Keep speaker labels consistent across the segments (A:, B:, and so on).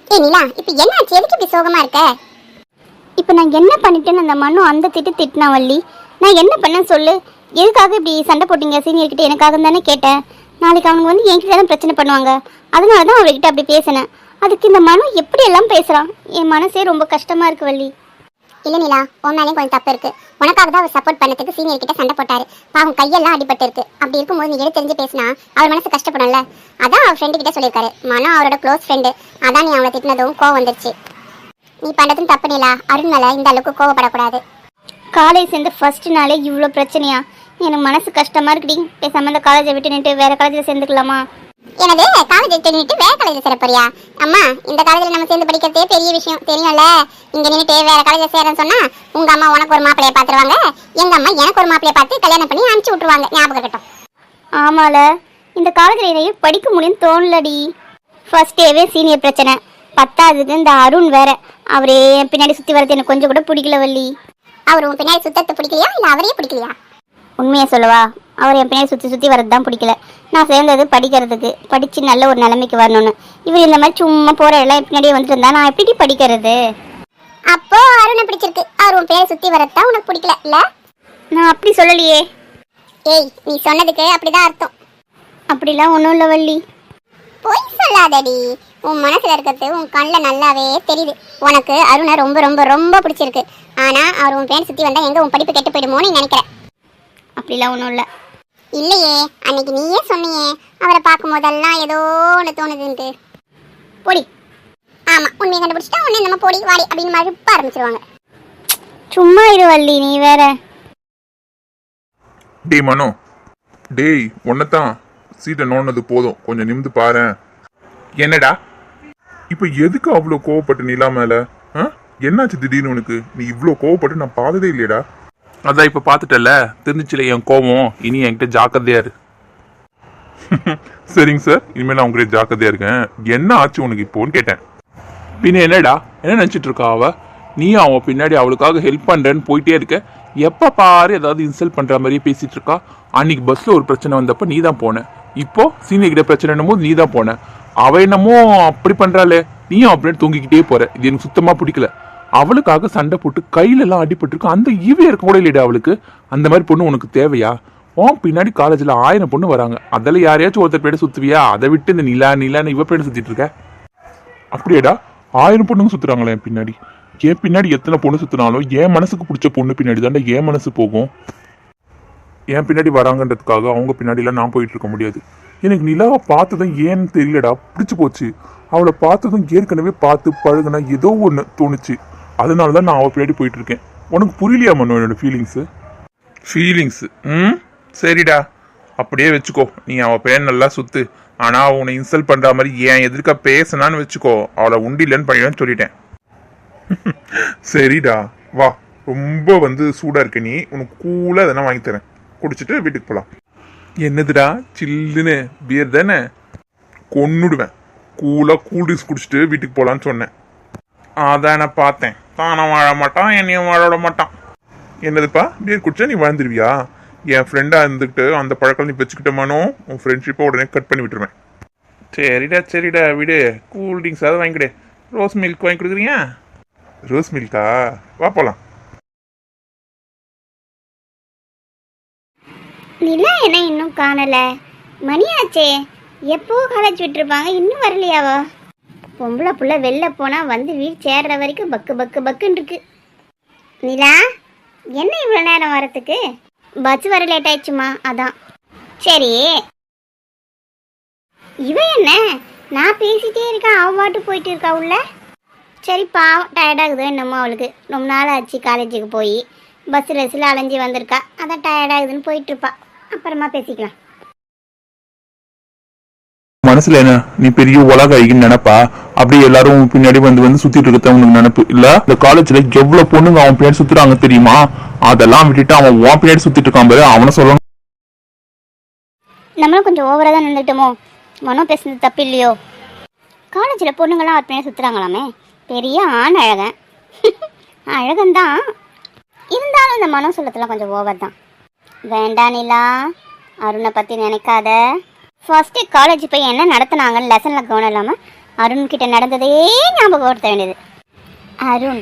A: ஏ நிலா, இப்போ என்னாச்சு? எதுக்கு இப்படி சோகமா இருக்க?
B: இப்போ நான் என்ன பண்ணிட்டேன்னு அந்த மனு அந்த திட்டினா வள்ளி. நான் என்ன பண்ணேன்னு சொல்லு. எதுக்காக இப்படி சண்டை போட்டீங்க சீனியர்கிட்ட? எனக்காக தானே கேட்டேன். நாளைக்கு அவங்க வந்து என்கிட்ட தானே பிரச்சனை பண்ணுவாங்க. அதனால தான் அவர்கிட்ட அப்படி பேசினேன். அதுக்கு இந்த மனு எப்படி எல்லாம் பேசுகிறான். என் மனசே ரொம்ப கஷ்டமாக இருக்கு வள்ளி.
A: இல்லை நிலா, உன் மேலேயும் கொஞ்சம் தப்பு இருக்கு. உனக்காக தான் அவர் சப்போர்ட் பண்ணதுக்கு சீனியர் கிட்ட சண்டை போட்டாரு. பாவம் கையெல்லாம் அடிபட்டு இருக்கு. அப்படி இருக்கும்போது நீ எடுத்து தெரிஞ்சு பேசினா அவர் மனசு கஷ்டப்படும்ல. அதான் அவர் ஃப்ரெண்டு கிட்ட சொல்லியிருக்காரு. மனோ அவரோட க்ளோஸ் ஃப்ரெண்டு. அதான் நீ அவளை திட்டினதும் கோவம் வந்துருச்சு. நீ பண்ணுறதும் தப்பு நிலா. அருண் மேலே இந்த அளவுக்கு கோவப்படக்கூடாது.
B: காலேஜ் சேர்ந்து ஃபர்ஸ்ட் நாளே இவ்வளோ பிரச்சனையா? எனக்கு மனசு கஷ்டமாக இருக்குடி. பேசாமல் இந்த காலேஜை விட்டு நின்று வேறு காலேஜில் சேர்ந்துக்கலாமா?
A: எனது காலேஜ் நின்றுட்டு வேற காலேஜ் சேர போறியா? அம்மா, இந்த காலேஜில் நம்ம சேர்ந்து படிக்கிறதே பெரிய விஷயம் தெரியும்ல. இங்கே நின்றுட்டு வேற காலேஜில் சேரன்னு சொன்னா உங்க அம்மா உனக்கு ஒரு மாப்பிளைய பார்த்துருவாங்க. எங்க அம்மா எனக்கு ஒரு மாப்பிளைய பார்த்து கல்யாணம் பண்ணி அனுப்பிச்சு விட்டுருவாங்க. ஞாபகம் இருக்கட்டும்.
B: ஆமால, இந்த காலேஜில் என்னையே படிக்க முடியும்னு தோணலடி. ஃபர்ஸ்ட் டேவே சீனியர் பிரச்சனை. பத்தாவதுக்கு இந்த அருண் வேற. அவரே பின்னாடி சுற்றி வரது எனக்கு கொஞ்சம் கூட பிடிக்கல வள்ளி.
A: அவர் உன் பின்னாடி சுத்தத்தை பிடிக்கலையா, இல்லை அவரே பிடிக்கலையா?
B: உண்மையை சொல்லவா, அவர் என் பின்னாடி சுற்றி வரது தான் பிடிக்கல. நான் சேர்ந்தது படிக்கிறதுக்கு, படித்து நல்ல ஒரு நிலைமைக்கு வரணும்னு. இவர் இந்த மாதிரி சும்மா போகிற எல்லாம் பின்னாடியே வந்துட்டு இருந்தா நான் எப்படி படிக்கிறது?
A: அப்போ அருணை பிடிச்சிருக்கு. அவர் உன் பேரை சுற்றி வரதான் உனக்கு பிடிக்கல இல்லை?
B: நான் அப்படி சொல்லலையே.
A: ஏய், நீ சொன்னதுக்கு அப்படிதான் அர்த்தம்.
B: அப்படிலாம் ஒன்றும் இல்லை வள்ளி.
A: பொய் சொல்லாதடி. உன் மனசுல இருக்கிறது உன் கண்ணில் நல்லாவே தெரியுது. உனக்கு அருணை ரொம்ப ரொம்ப ரொம்ப பிடிச்சிருக்கு. ஆனா அவர் உன் பேரை சுற்றி வந்தா எங்க உன் படிப்பு கெட்டு போயிடுமோன்னு நினைக்கிறேன்.
B: அப்படிலாம் ஒன்றும் இல்லை.
A: இல்லையே, அன்னைக்கு நீயே சொன்னியே அவரை பார்க்கும் போதெல்லாம் ஏதோ ஒன்று தோணுதுன்ட்டு.
B: போடி.
A: ஆமா, உண்மையை கண்டுபிடிச்சிட்டா உன்னை நம்ம போடி வாடி அப்படின்னு மறுப்ப ஆரம்பிச்சிருவாங்க.
B: சும்மா இரு வள்ளி, நீ வேற.
C: டேய் மனோ, டேய் ஒன்னதான் சீட்டை நோண்டது போதும், கொஞ்சம் நிமிந்து பாரு. என்னடா இப்போ எதுக்கு அவ்வளோ கோவப்பட்டு நிலா மேல? என்னாச்சு திடீர்னு உனக்கு? நீ இவ்வளோ கோவப்பட்டு நான் பார்த்ததே இல்லையடா.
D: அதான் இப்போ பார்த்துட்டல, தெரிஞ்சிச்சுல என் கோவம். இனி என்கிட்ட ஜாக்கிரதையா இரு.
C: சரிங்க சார், இனிமேல் நான் உங்ககிட்ட ஜாக்கிரதையா இருக்கேன். என்ன ஆச்சு உனக்கு இப்போன்னு கேட்டேன்.
D: பின்ன என்னடா, என்ன நினச்சிட்டு இருக்கா அவ? நீ அவன் பின்னாடி அவளுக்காக ஹெல்ப் பண்ணுறேன்னு போயிட்டே இருக்க. எப்போ பாரு ஏதாவது இன்சல்ட் பண்ணுற மாதிரியே பேசிட்டு இருக்கா. அன்னைக்கு பஸ்ஸில் ஒரு பிரச்சனை வந்தப்போ நீ தான் போன. இப்போ சீனியர் கிட்ட பிரச்சனைன்னும் போது நீ தான் போன. அவ என்னமோ அப்படி பண்ணுறாளே, நீயும் அப்படின்னு தூங்கிக்கிட்டே போற. இது எனக்கு சுத்தமாக பிடிக்கல. அவளுக்காக சண்டை போட்டு கையிலெல்லாம் அடிபட்டுருக்கு. அந்த ஈவே இருக்க கூட இல்லைடா அவளுக்கு. அந்த மாதிரி பொண்ணு உனக்கு தேவையா? உன் பின்னாடி காலேஜில் 1000 பொண்ணு வராங்க. அதில் யாரையாச்சும் ஒருத்தர் பேட சுற்றுவியா? அதை விட்டு இந்த நிலான்னு இவ பேட சுற்றிட்டு இருக்க.
C: அப்படியேடா, 1000 பொண்ணுங்க சுற்றுறாங்களே என் பின்னாடி. என் பின்னாடி எத்தனை பொண்ணு சுற்றினாலும் என் மனசுக்கு பிடிச்ச பொண்ணு பின்னாடி தாண்டா என் மனசு போகும். என் பின்னாடி வராங்கன்றதுக்காக அவங்க பின்னாடிலாம் நான் போயிட்டு இருக்க முடியாது. எனக்கு நிலாவை பார்த்ததும் ஏன்னு தெரியலடா, பிடிச்சி போச்சு. அவளை பார்த்ததும் ஏற்கனவே பார்த்து பழகுனா ஏதோ ஒன்று தோணுச்சு. அதனால தான் நான் அவள் பின்னாடி போயிட்டு இருக்கேன். உனக்கு புரியலையா மனோ என்னோட ஃபீலிங்ஸு?
D: சரிடா, அப்படியே வச்சுக்கோ. நீ அவள் பேர் நல்லா சுத்து. ஆனால் அவள் உன்னை இன்சல்ட் பண்ணுற மாதிரி ஏன் எதிர்க்க பேசினான்னு வச்சுக்கோ. அவளை உண்டிலன்னு பண்ணிடுன்னு சொல்லிட்டேன்.
C: சரிடா, வா. ரொம்ப சூடாக இருக்க நீ. உனக்கு கூலாக எதனா வாங்கி தரேன், குடிச்சிட்டு வீட்டுக்கு போகலாம்.
D: என்னதுடா சில்லுன்னு? பியர் தானே?
C: கொன்னுடுவேன். கூலாக கூல் ட்ரிங்க்ஸ் குடிச்சிட்டு வீட்டுக்கு போகலான்னு சொன்னேன்.
D: அதான் நான் பார்த்தேன். தானே வாழ மாட்டான், என்னையும் வாழ மாட்டான்.
C: என்னதுப்பா, பியர் குடிச்சா நீ வாழ்ந்துருவியா? என் ஃப்ரெண்டாக இருந்துக்கிட்டு அந்த பழக்கம் நீ வச்சுக்கிட்டமானோ உன் ஃப்ரெண்ட்ஷிப்பை உடனே கட் பண்ணி விட்டுருவேன்.
D: சரிடா விடு. கூல் ட்ரிங்க்ஸ் அதை வாங்கிக்கிடு. ரோஸ் மில்க் வாங்கி கொடுக்குறீங்க?
C: ரோஸ் மில்கா? வா போகலாம்.
B: நிலா என்ன இன்னும் காணல? மணியாச்சே. எப்போ காலேஜ் விட்டுருப்பாங்க, இன்னும் வரலையாவா? பொம்பளை புள்ள வெளில போனா வந்து வீடு சேர்ற வரைக்கும் பக்குன்னு இருக்கு. நிலா, என்ன இவ்வளோ நேரம் வரத்துக்கு? பஸ் வர லேட் ஆயிடுச்சுமா, அதான். சரி, இவ என்ன நான் பேசிட்டே இருக்கேன், அவ பாட்டு போயிட்டு இருக்கா உள்ள. சரி, பாவம் டயர்டாகுதோ என்னமோ அவளுக்கு. ரொம்ப நாள் ஆச்சு காலேஜுக்கு போய். பஸ்ஸில் அலைஞ்சி வந்திருக்கா, அதான் டயர்டாகுதுன்னு போயிட்டு இருப்பா. அப்புறமா பேசிக்கலாம்.
C: மனசுல என்ன, நீ பெரிய உலக ஐகின்னு நினைப்பா? அப்படி எல்லாரும் பின்னாடி வந்து சுத்திட்டு இருக்க உனக்கு நினைப்பு இல்ல? இந்த காலேஜ்ல எவ்வளவு பொண்ணுங்க அவன் பின்னாடி சுத்துறாங்க தெரியுமா? அதெல்லாம் விட்டுட்டு அவன் உன் பின்னாடி சுத்திட்டு இருக்கான் பாரு, அவனை சொல்லணும்.
B: நம்மளும் கொஞ்சம் ஓவரா தான் நின்றுட்டோமோ? மனம் பேசுனது தப்பு இல்லையோ? காலேஜில் பொண்ணுங்களாம் அவர் பின்னாடி சுத்துறாங்களாமே. பெரிய ஆண் அழகன். அழகன்தான், இருந்தாலும் இந்த மனம் சொல்லத்தெல்லாம் கொஞ்சம் ஓவர் தான். வேண்டாம் நிலா, அருணை பற்றி நினைக்காத. ஃபர்ஸ்ட்டு காலேஜ் போய் என்ன நடத்துனாங்கன்னு லெசனில் கவனம் இல்லாமல் அருண் கிட்ட நடந்ததே ஞாபகப்படுத்த வேண்டியது. அருண்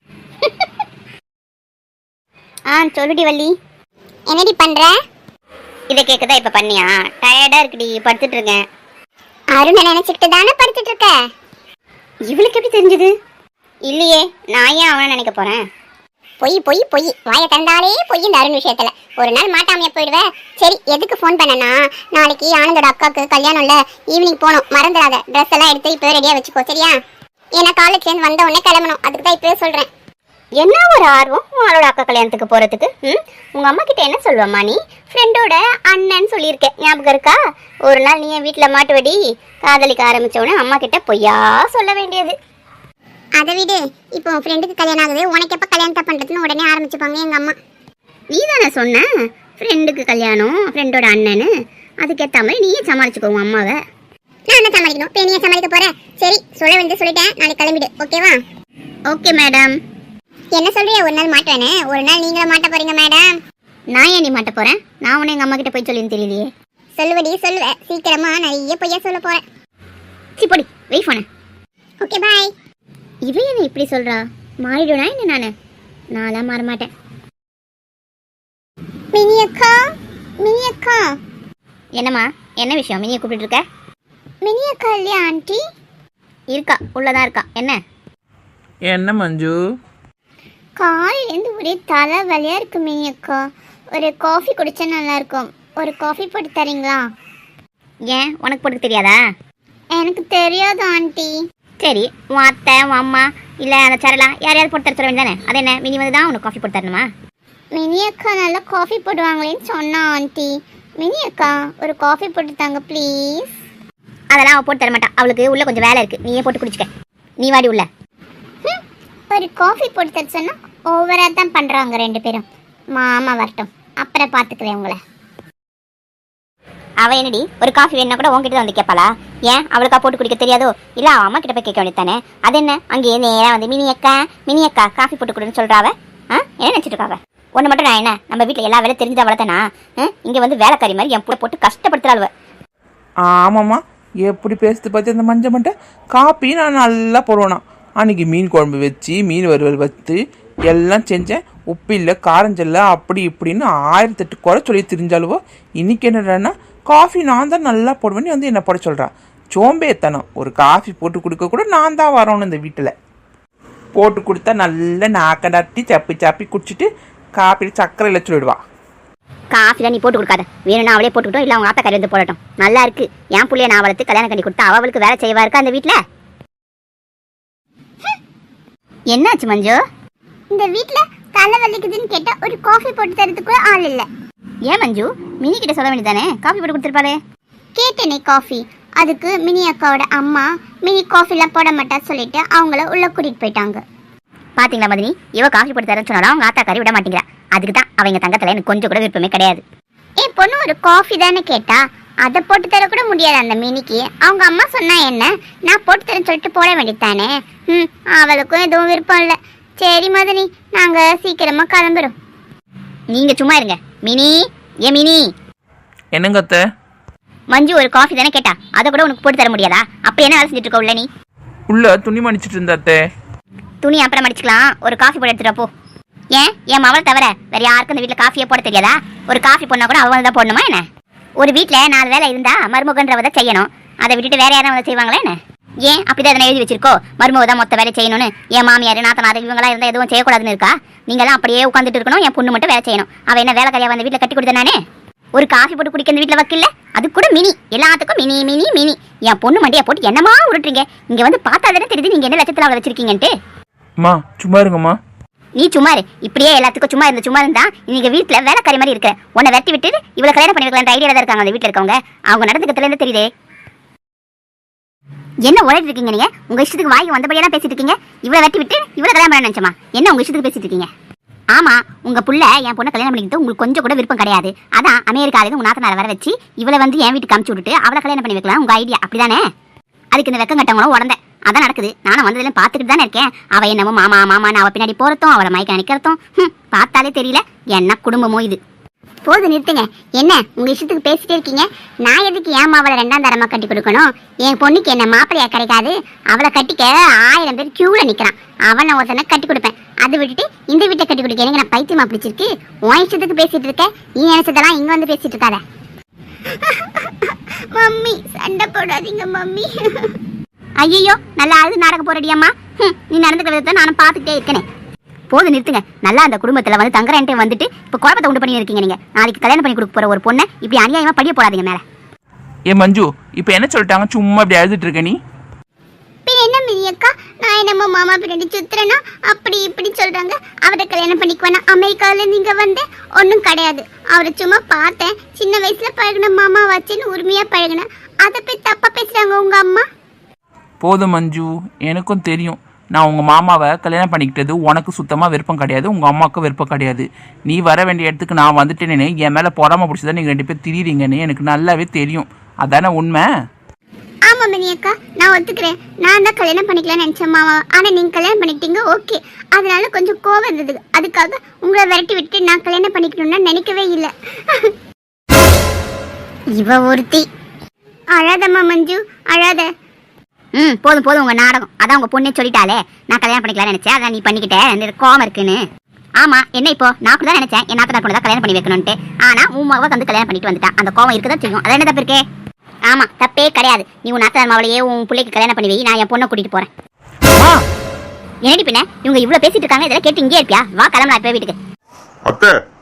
B: சொல்லுடி வள்ளி.
A: என்னடி பண்ற?
B: இதை கேட்கதான் இப்ப பண்ணியா? டயர்டா இருக்குடி, படுத்துட்டு இருக்கேன்.
A: அருணை நினைச்சிட்டு தானே படுத்துட்டு இருக்க?
B: இவளுக்கு எப்படி தெரிஞ்சது? இல்லையே, நான் ஏன் அவனை நினைக்க போறேன்?
A: பொய் பொய் பொய், வாயை திறந்தாலே பொய் இந்த அருண் விஷயத்துல. ஒரு நாள் மாட்டாமையா போயிடுவ. சரி, எதுக்கு ஃபோன் பண்ணனா, நாளைக்கு ஆனந்தோட அக்காவுக்கு கல்யாணம்ல, ஈவினிங் போகணும், மறந்துடாத. ட்ரெஸ் எல்லாம் எடுத்து இப்போ ரெடியா வச்சுக்கோ, சரியா? ஏன்னா காலேஜ் சேர்ந்து வந்த உடனே கிளம்பணும், அதுக்கு தான் இப்பவே சொல்றேன்.
B: என்ன ஒரு ஆர்வம் உங்களோட அக்கா கல்யாணத்துக்கு போறதுக்கு? உங்க அம்மா கிட்ட என்ன சொல்லுவம்மா நீ? ஃப்ரெண்டோட அண்ணன் சொல்லியிருக்கேன், ஞாபகம் இருக்கா? ஒரு நாள் நீ என் வீட்டுல மாட்டுவடி. காதலிக்க ஆரம்பிச்சவனே அம்மா கிட்ட பொய்யா சொல்ல வேண்டியது.
A: அதை விடு, இப்போ உன் ஃப்ரெண்டுக்கு கல்யாணம் ஆகுது, உனக்கு எப்போ கல்யாணத்தை பண்றதுன்னு உடனே ஆரம்பிச்சுப்பாங்க எங்க அம்மா.
B: நீ தானே சொன்ன ஃப்ரெண்டுக்கு கல்யாணம், ஃப்ரெண்டோட அண்ணனு. அதுக்கேற்ற மாதிரி நீயே சமாளிச்சுக்கோ உன் அம்மாவை.
A: நான் என்ன சமாளிக்கணும்? பேனியா சமாளிக்க போறேன். சரி, சொல்ல வேண்டியது சொல்லிட்டேன், நாளைக்கு கிளம்பிடு, ஓகேவா?
B: Okay madam.
A: என்ன சொல்றியா? ஒரு நாள் மாட்டுவேனே, ஒரு நாள் நீங்களும் மாட்ட போறீங்க மேடம்.
B: நான் ஏன் நீ மாட்ட போறேன்? நான் உன்னை எங்க அம்மா கிட்ட போய் சொல்லின்னு தெரியலையே.
A: சொல்லுவடி சொல்லுவேன், சீக்கிரமா நிறைய பொய்யா சொல்ல போறேன்.
B: சிப்படி வெயிட் பண்ண.
A: Okay bye.
B: இவ என்ன இப்படி சொல்றா? மாறிடுனா என்ன? நான்லாம் மாற மாட்டேன்.
A: மினி அக்கா, மினி அக்கா.
B: என்னம்மா, என்ன விஷயம்? மினியை கூப்பிட்டு இருக்க?
A: மினி அக்கா இல்லையா ஆண்டி?
B: இருக்கா, உள்ளதான் இருக்கா.
E: என்ன மஞ்சு?
A: காலையிலேருந்து ஒரே தலை வலியா இருக்கு மினி அக்கா. ஒரு காஃபி குடிச்சா நல்லா இருக்கும். ஒரு காஃபி போட்டு தரீங்களா?
B: ஏன், உனக்கு போட்டு தெரியாதா?
A: எனக்கு தெரியாது ஆண்டி.
B: சரி, உன் அத்தை, உன் அம்மா, இல்லை அந்த சரலா யாரையாவது போட்டு தர சொல்ல வேண்டியதானே? அது என்ன, மினி வந்து தான் உனக்கு காஃபி போட்டு தரணுமா?
A: மினி அக்கா நல்லா காஃபி போடுவாங்களேன்னு சொன்னா ஆண்டி. மினி அக்கா ஒரு காஃபி போட்டு தாங்க ப்ளீஸ்.
B: அதெல்லாம் அவள் போட்டு தர மாட்டா. அவளுக்கு உள்ள கொஞ்சம் வேலை இருக்கு, நீயே போட்டு குடிச்சுக்க. நீ வாடி உள்ள.
A: ஒரு காஃபி போட்டு தர சொன்னா ஓவரா தான் பண்றாங்க ரெண்டு பேரும். மாமா வரட்டும், அப்புறம் பார்த்துக்கிறேன் உங்களை.
B: அவள் என்னடி, ஒரு காஃபி வேணுன்னா கூட உங்ககிட்ட வந்து கேட்பாளா? ஏன், அவளுக்கா போட்டு குடிக்க தெரியாதோ? இல்லை அவள் அம்மா கிட்ட போய் கேட்க வேண்டியது தானே? அது என்ன, அங்கேயே நேராக வந்து மினி அக்கா காஃபி போட்டு கொடுன்னு சொல்கிறாவ. என்ன நினச்சிட்டு இருக்காவ? ஒன்று மட்டும் நான் என்ன, நம்ம வீட்டில் எல்லா வேலை தெரிஞ்சா வளர்த்தனா? இங்கே வந்து வேலைக்காரி மாதிரி என் புள்ள போட்டு கஷ்டப்படுத்துறாளுவ.
E: ஆமாம்மா, எப்படி பேசுது பார்த்து அந்த மஞ்சள் மட்டை. காப்பி நான் நல்லா போடுவேனா. அன்றைக்கி மீன் குழம்பு வச்சு, மீன் வறுவல் வச்சு எல்லாம் செஞ்சேன். உப்பு இல்லை, காரஞ்சல்ல, அப்படி இப்படின்னு 1008 குறை சொல்லி தெரிஞ்சாலுவோ. இன்றைக்கி என்னடான்னா காஃபி நான் தான் நல்லா போடுவேன்னு வந்து என்னை போட சொல்கிறா. சோம்பேத்தனம். ஒரு காஃபி போட்டு கொடுக்க கூட நான் தான் வரணும் இந்த வீட்டில். போட்டு கொடுத்தா நல்லா நாக்கடாட்டி சப்பி சாப்பி குடிச்சிட்டு காப்பியில் சக்கரை இல்லை சொல்லிடுவா.
B: காஃபிலாம் நீ போட்டு கொடுக்காத, வேணும்னா அவளே போட்டுக்கிட்டோம், இல்லை அவங்க ஆத்தா கறி வந்து போடட்டும். நல்லா இருக்கு, என் பிள்ளைய நான் வளர்த்து கல்யாணம் பண்ணி கொடுத்தா அவளுக்கு வேலை செய்வா இருக்கா அந்த வீட்டில்? என்னாச்சு மஞ்சு?
A: இந்த வீட்ல தலை வலிக்குதுன்னு கேட்டா ஒரு காஃபி போட்டு தரதுக்கு ஆள் இல்ல.
B: ஏன் மஞ்சு, மினி கிட்ட சொல்ல வேண்டியதானே? காஃபி போட்டு கொடுத்துருப்பாரு.
A: கேட்டேனே காஃபி. அதுக்கு மினி அக்காவோட அம்மா மினி காஃபிலாம் போட மாட்டா சொல்லிட்டு அவங்கள உள்ள கூட்டிட்டு போயிட்டாங்க.
B: பாத்தீங்களா மதினி, இவ காஃபி போட்டு தரேன்னு சொன்னாலும் அவங்க ஆத்தாக்காரி விட மாட்டேங்கிறா. அதுக்கு தான் அவங்க தங்கத்துல எனக்கு கொஞ்சம் கூட விருப்பமே கிடையாது.
A: என் பொண்ணு ஒரு காஃபி தானே கேட்டா, அதை போட்டு தர கூட முடியாது அந்த மினிக்கு. அவங்க அம்மா சொன்னா என்ன, நான் போட்டு தரேன்னு சொல்லிட்டு போட வேண்டியதானே. அவளுக்கும் எதுவும் விருப்பம் இல்லை. சரி மதினி, நாங்க சீக்கிரமா கிளம்புறோம்.
B: நீங்க சும்மா இருங்க. மினி, ஏன் மினி?
E: என்னங்க அத்தை?
B: மஞ்சு ஒரு காஃபி தானே கேட்டா, அதை கூட உனக்கு போட்டு தர முடியாதா? அப்ப என்ன வேலை செஞ்சுட்டு இருக்க உள்ள நீ?
E: உள்ள துணி மடிச்சிட்டு இருந்த அத்தை.
B: துணி அப்புறம் மடிச்சுக்கலாம், ஒரு காஃபி போட்டு எடுத்துட்டு போ. ஏன், என் மவளை தவிர வேற யாருக்கும் இந்த வீட்டில் காஃபியே போட தெரியாதா? ஒரு காஃபி போடனா கூட அவங்க தான் போடணுமா என்ன? ஒரு வீட்டில் 4 வேலை இருந்தா மருமகன்றவதை செய்யணும், அதை விட்டுட்டு வேற யாரும் வந்து செய்வாங்களா என்ன? ஏன் அப்படிதான் எதனா எழுதி வச்சிருக்கோ, மருமக தான் மொத்த வேலை செய்யணும்னு? என் மாமியார் நாத்தனார் இவங்களா இருந்தால் எதுவும் செய்யக்கூடாதுன்னு இருக்கா? நீங்களாம் அப்படியே உட்காந்துட்டு இருக்கணும், என் பொண்ணு மட்டும் வேலை செய்யணும். அவள் என்ன வேலைக்காரியா வந்து வீட்டில் கட்டி கொடுத்த நானே? ஒரு காஃபி போட்டு குடிக்க இந்த வீட்டில் வக்கில்ல, அது கூட மினி. எல்லாத்துக்கும் மினி மினி மினி. என் பொண்ணு மண்டியா போட்டு என்னமா உருட்டுறீங்க? இங்க வந்து பார்த்தா தானே தெரியுது நீங்க என்ன லட்சத்தில் அவளை வச்சிருக்கீங்கன்ட்டு.
E: அம்மா சும்மா இருங்கம்மா.
B: நீ சும்மா இரு. இப்படியே எல்லாத்துக்கும் சும்மா இருந்தா நீங்க வீட்டுல வேலைக்காரி மாதிரி இருக்கிற. உன்னை வெட்டி விட்டு இவ்வளவு கல்யாணம் பண்ணி வைக்கலாம் ஐடியா தான் இருக்காங்க அந்த வீட்டுல இருக்கவங்க. அவங்க நடந்துக்கிறதுல இருந்து தெரியுதே. என்ன உழைட்டு இருக்கீங்க நீங்க? உங்க இஷ்டத்துக்கு வாய்க்கு வந்தபடியெல்லாம் பேசிட்டு இருக்கீங்க. இவ்வளவு வெட்டி விட்டு இவ்வளவு கல்யாணம் பண்ண நினைச்சமா? என்ன உங்க இஷ்டத்துக்கு பேசிட்டு இருக்கீங்க? ஆமா, உங்க புள்ள என் பொண்ணை கல்யாணம் பண்ணிக்கிட்டு உங்களுக்கு கொஞ்சம் கூட விருப்பம் கிடையாது. அதான் அமெரிக்காவில உங்க நாத்தனாரை வர வச்சு இவளை வந்து என் வீட்டுக்கு அமுச்சு விட்டுட்டு அவளை கல்யாணம் பண்ணி வைக்கலாம் உங்க ஐடியா, அப்படிதானே? அதுக்கு இந்த வெக்கம் கட்டவங்களும் உடந்த அதான் நடக்குது. நானும் வந்ததுல பார்த்துட்டு தானே இருக்கேன். அவ என்னமோ மாமா மாமான்னு அவ பின்னாடி போறதும் அவளை மயக்க நிக்கிறதும் பார்த்தாலே தெரியல என்ன குடும்பமோ இது.
A: போது நிறுத்துங்க. என்ன உங்க இஷ்டத்துக்கு பேசிட்டே இருக்கீங்க? நான் எதுக்கு என் மாவளை 2ஆம் தரமா கட்டி கொடுக்கணும்? என் பொண்ணுக்கு என்ன மாப்பிள்ளையா கிடைக்காது? அவளை கட்டிக்க 1000 பேர் கியூல நிக்கிறான். அவனை ஒருத்தனை கட்டி கொடுப்பேன். அதை விட்டுட்டு இந்த வீட்டை கட்டி கொடுக்க எனக்கு நான் பைத்தியமா பிடிச்சிருக்கு. உன் இஷ்டத்துக்கு பேசிட்டு இருக்க. நீ நினைச்சதெல்லாம் இங்க வந்து பேசிட்டு இருக்காத.
B: மம்மி சண்டை போடாதீங்க மம்மி.
A: ஐயோ நல்லா அழுது நாடக போறடியம்மா. நீ நடந்துக்கிற விதத்தை நானும் பார்த்துக்கிட்டே இருக்கேனே. போது நிறுத்துங்க. நல்லா அந்த குடும்பத்துல வந்து தங்குறேன்ட்டு வந்துட்டு இப்போ குழப்பத்தை உண்டு பண்ணி இருக்கீங்க நீங்க. நாளைக்கு கல்யாணம் பண்ணி கொடுக்க போற ஒரு பொண்ணை இப்படி அநியாயமா படிய போடாதீங்க மேல.
E: ஏ மஞ்சு இப்போ என்ன சொல்லிட்டாங்க? சும்மா இப்படி அழுதுட்டு இருக்க நீ?
B: பின் என்ன மினியக்கா, நான் என்னமோ மாமா பின்னாடி சுத்துறேன்னா அப்படி இப்படி சொல்றாங்க. அவரை கல்யாணம் பண்ணிக்குவேனா? அமெரிக்காவில நீங்க வந்து ஒன்றும் கிடையாது. அவரை சும்மா பார்த்தேன். சின்ன வயசுல பழகின மாமா வச்சுன்னு உரிமையா பழகினேன். அதை போய் தப்பா பேசுறாங்க உங்க அம்மா.
E: போதும் மஞ்சு, எனக்கும் தெரியும். நான் உங்கள் மாமாவை கல்யாணம் பண்ணிக்கிட்டது உனக்கு சுத்தமாக விருப்பம் கிடையாது, உங்கள் அம்மாவுக்கும் விருப்பம் கிடையாது. நீ வர வேண்டிய இடத்துக்கு நான் வந்துட்டேனே, என் மேலே பொறாம பிடிச்சதான் நீங்கள் 2 பேர் திரியிறீங்கன்னு எனக்கு நல்லாவே தெரியும். அதானே உண்மை?
B: ஆமா மினியக்கா, நான் ஒத்துக்கிறேன். நான் தான் கல்யாணம் பண்ணிக்கலாம்னு நினைச்சேன் மாமா. ஆனா நீங்க கல்யாணம் பண்ணிக்கிட்டீங்க, ஓகே. அதனால கொஞ்சம் கோவம் இருந்தது. அதுக்காக உங்களை விரட்டி விட்டு நான் கல்யாணம் பண்ணிக்கணும்னு நினைக்கவே இல்லை.
A: இவ ஒருத்தி.
B: அழாதம்மா மஞ்சு, அழாத.
A: போதும் போதும் உங்க நாடகம். அதான் உங்க பொண்ணே சொல்லிட்டாலே நான் கல்யாணம் பண்ணிக்கலாம்னு நினைச்சேன். அதான் நீ பண்ணிக்கிட்ட. எனக்கு கோவம் இருக்குன்னு. ஆமா என்ன இப்போ நான் கூட தான் நினைச்சேன் என் நாத்தனார் பொண்ணு தான் கல்யாணம் பண்ணி வைக்கணும்ட்டு. ஆனா உன் மகளை வந்து கல்யாணம் பண்ணிட்டு வந்துட்டா. அந்த கோவம் இருக்குதான் செய்யும். அதான் என்ன தப்பு இருக்கே? ஆமா தப்பே கிடையாது. நீ உன் நாத்தனார் மாவளையே உன் பிள்ளைக்கு கல்யாணம் பண்ணி வை. நான் என் பொண்ணை கூட்டிட்டு போறேன். என்னடி பின்ன இவங்க இவ்வளவு பேசிட்டு இருக்காங்க. இதெல்லாம் கேட்டு இங்கே இருப்பியா? வா கிளம்பலாம் இப்ப வீட்டுக்கு.
C: அத்தை